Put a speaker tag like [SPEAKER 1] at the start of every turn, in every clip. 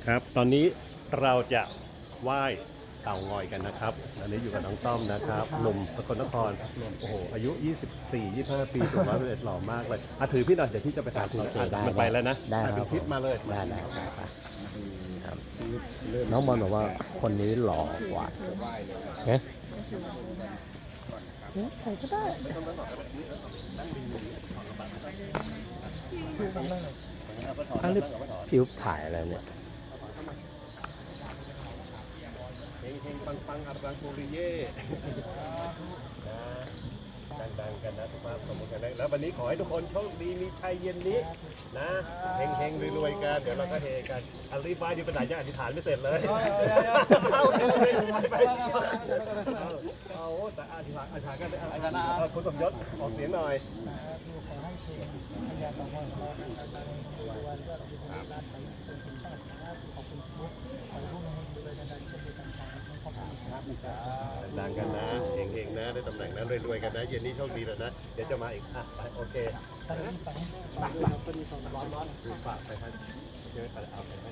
[SPEAKER 1] ครับตอนนี้เราจะไหว้เต่างอยกันนะครับอันนี้อยู่กับน้องต้อมนะครับหนุ่มสกลนครโอ้โหอายุ24-25 ปีสูง101หล่อมากเลยถือพี่หน่อยเดี๋ยวพี่จะไปถ่ายคุณมันไปแล้วนะ
[SPEAKER 2] ได้ค
[SPEAKER 1] เป็
[SPEAKER 2] รั
[SPEAKER 1] น
[SPEAKER 2] บ
[SPEAKER 1] คลิปมาเลย
[SPEAKER 2] ได้ครับน้องบอลบอกว่าคนนี้หล่อกว่าเฮ้ยใครก็ได้อันนี้พี่อุ๊บถ่ายอะไรเนี่ย
[SPEAKER 1] เฮงๆปังๆอัรังคูริเย่นะดังๆกันนะทุกท่านสมมติกันนะแล้ววันนี้ขอให้ทุกคนโชคดีมีชัยเย็นนี้นะเฮงๆรวยๆกันเดี๋ยวเราก็เฮกันอธิบายอยู่ปัญหายังอธิษฐานไม่เสร็จเลยเอาแต่อธิษฐานกันคุณสมยศออกเสียงหน่อยดังกันนะเฮงๆนะได้ตำแหน่งนั้นรวยๆกันนะเย็นนี้โชคดีแล้วนะเดี๋ยวจะมาอีกไปโอเคฝากไปครับเดี๋ยวไปเอาไปให้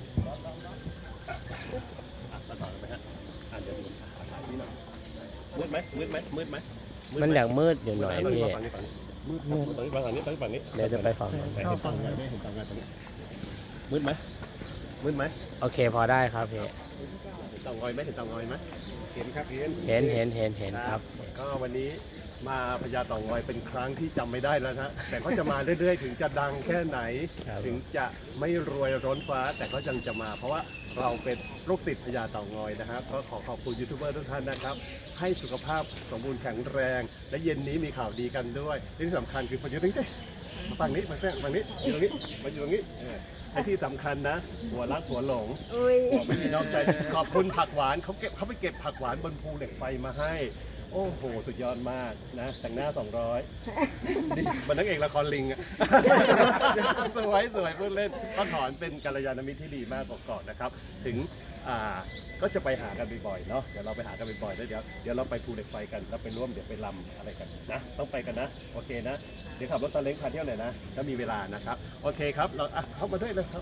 [SPEAKER 1] ต่อไปฮะเดี๋ยวดูถ่ายนี่หน่อยมืดไหม
[SPEAKER 2] มันอยากมืดอยู่หน่อยพี่
[SPEAKER 1] มืดฝั่งนี้
[SPEAKER 2] เดี๋ยวจะไปฝั่ง
[SPEAKER 1] ไปเห็นฝั่งงานได้เห็นฝั่งงานตรงนี้มืดไหม
[SPEAKER 2] โอเคพอได้ครับพี่
[SPEAKER 1] เต่างอยไหมเห็นเต่างอยไหมเห็นครับ
[SPEAKER 2] เห็นครับ
[SPEAKER 1] ก็วันนี้มาพญาเต่างอยเป็นครั้งที่จำไม่ได้แล้วนะแต่ก็จะมาเรื่อยๆถึงจะดังแค่ไหนถึงจะไม่รวยร้นฟ้าแต่ก็ยังจะมาเพราะว่าเราเป็นลูกศิษย์พญาเต่างอยนะครับก็ขอขอบคุณยูทูบเบอร์ทุกท่านนะครับให้สุขภาพสมบูรณ์แข็งแรงและเย็นนี้มีข่าวดีกันด้วยที่สำคัญคือพญาตึงฝั่งนี้อยู่ตรงนี้ไอ้ที่สำคัญนะหัวรักหัวหลงหัวไม่มีนอกใจขอบคุณผักหวานเขาไปเก็บผักหวานบนภูเหล็กไฟมาให้โอ้โหสุดยอดมากนะแต่งหน้า200นี่มันนักเอกละครลิงอะสวยพูดเล่นก็ถอนเป็นกัลยาณมิตรที่ดีมากก่อนนะครับถึงก็จะไปหากันบ่อยๆเนาะเดี๋ยวเราไปหากันบ่อยๆแล้วเดี๋ยวเราไปภูเหล็กไฟกันแล้วไปร่วมเดี๋ยวไปรำอะไรกันนะต้องไปกันนะโอเคนะเดี๋ยวขับรถซาเล้งพาเที่ยวหน่อยนะถ้ามีเวลานะครับโอเคครับเราเข้ามาด้วยเลยครับ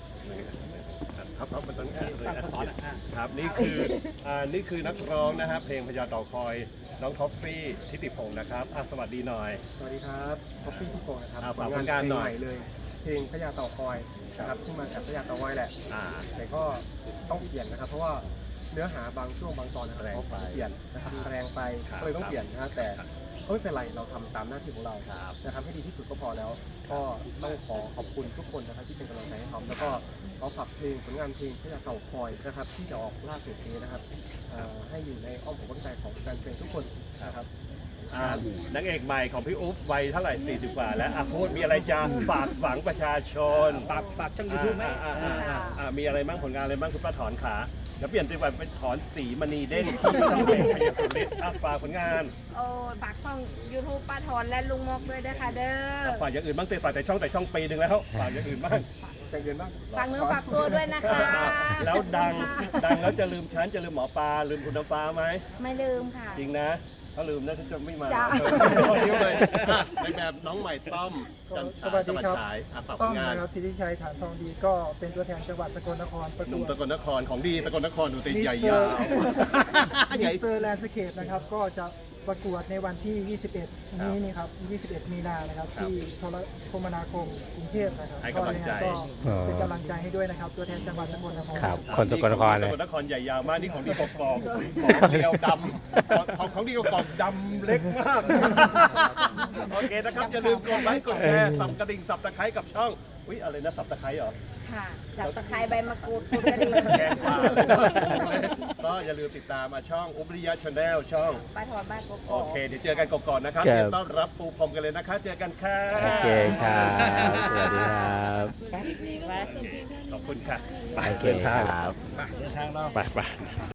[SPEAKER 1] มันต้องครับนี่คือนักร้องนะครับเพลงพญาเต่าคอยน้องท็อฟฟี่ทิติพงศ์นะครับสวัสดีหน่อย
[SPEAKER 3] สวัสดีครับท็อฟฟี่ทิติพงศ์นะครับ
[SPEAKER 1] ฝากผลงานหน่อย
[SPEAKER 3] เลยเพลงพญาเต่าคอยนะครับซึ่งมาจากพญาเต่างอยแหละแต่ก็ต้องเปลี่ยนนะครับเพราะว่าเนื้อหาบางช่วงบางตอนนะครับเขาเปลี่ยนนะครับแรงไปก็เลยต้องเปลี่ยนนะแต่ก็ไม่เป็นไรเราทำตามหน้าที่ของเราจะทำให้ดีที่สุดก็พอแล้วก็ต้องขอบคุณทุกคนนะครับที่เป็นกำลังใจให้ทำแล้วก็ขอฝากเพลงผลงานเพลงพญาเต่าคอยนะครับที่จะออกล่าสุดนี้นะครับให้อยู่ในอ้อมอกอ้อมใจของแฟนเพลงทุกคนนะครับ
[SPEAKER 1] นางเอกใหม่ของพี่อุ๊บวัยเท่าไหร่40 กว่าแล้วพูดมีอะไรจะฝากฝังประชาชนฝากช่องยูทูบไหมมีอะไรบ้างผลงานอะไรบ้างคุณป้าถอนขาเดี๋ยวเปลี่ยนไปถอนสีมณีเด้งที่ช่องเพลงชัยสุริศฝากผลงาน
[SPEAKER 4] ฝากช่องยูทูบป้าถอนและลุงมกด้วยนะคะเด้อ
[SPEAKER 1] ฝากอย่างอื่นบ้างฝากแต่ช่องปีหนึ่งแล้วฝากอย่างอื่นบ้าง
[SPEAKER 4] ฝากเนื้อฝากตัวด้วยนะคะ
[SPEAKER 1] แล้วดังแล้วจะลืมฉันจะลืมหมอปลาลืมคุณน้ำฟ้าไหม
[SPEAKER 4] ไม่ลืมค่ะ
[SPEAKER 1] จริงนะถ้าลืมนะฉันจะไม่มาเลยในแบบน้องใหม่ต้อม
[SPEAKER 3] สวัสดีครับ
[SPEAKER 1] ต้อม
[SPEAKER 3] นะครับสิทธิชัยฐานทองดีก็เป็นตัวแทนจังหวัดสกลนครประกวด
[SPEAKER 1] หนุ่มสกลนครของดีสกลนครดูตีใหญ่ยาว
[SPEAKER 3] มิสเตอร์แลนด์สเคปนะครับก็จะประกวดในวันที่ 21 นี้นี่ครับ21 มีนานะครับที่โทรคมนาคมกรุงเทพนะครับ
[SPEAKER 1] ให้กำลังใจ
[SPEAKER 3] ก็เป็นกำลังใจให้ด้วยนะครับตัวแทนจังหวัดสกลนคร
[SPEAKER 2] ครับคนสกลนครเลย
[SPEAKER 1] สกลนครใหญ่ยาวมากนี่ของดีกอกของเดียวดำของดีกอกดำเล็กมากโอเคนะครับอย่าลืมกดไลค์กดแชร์สับกระดิ่งสับตะไคร้กับช่องอะไรนะสับตะไคร้เหรอ
[SPEAKER 4] ค่ะสับตะไคร้ใบมะกรูดกระดิ่ง
[SPEAKER 1] แกงปลาก็อย่าลืมติดตามช่องอุบริยะชาแนลช่อง
[SPEAKER 4] ป้าถอนบ้านกก
[SPEAKER 1] โอเคเดี๋ยวเจอกันก่อนนะครับต้อนรับปูพรมกันเลยนะคะเจอกันค่ะ
[SPEAKER 2] โอเคครับสวัสดีครับ
[SPEAKER 1] ขอบคุณค่ะ
[SPEAKER 2] โอเคครับ
[SPEAKER 1] ไป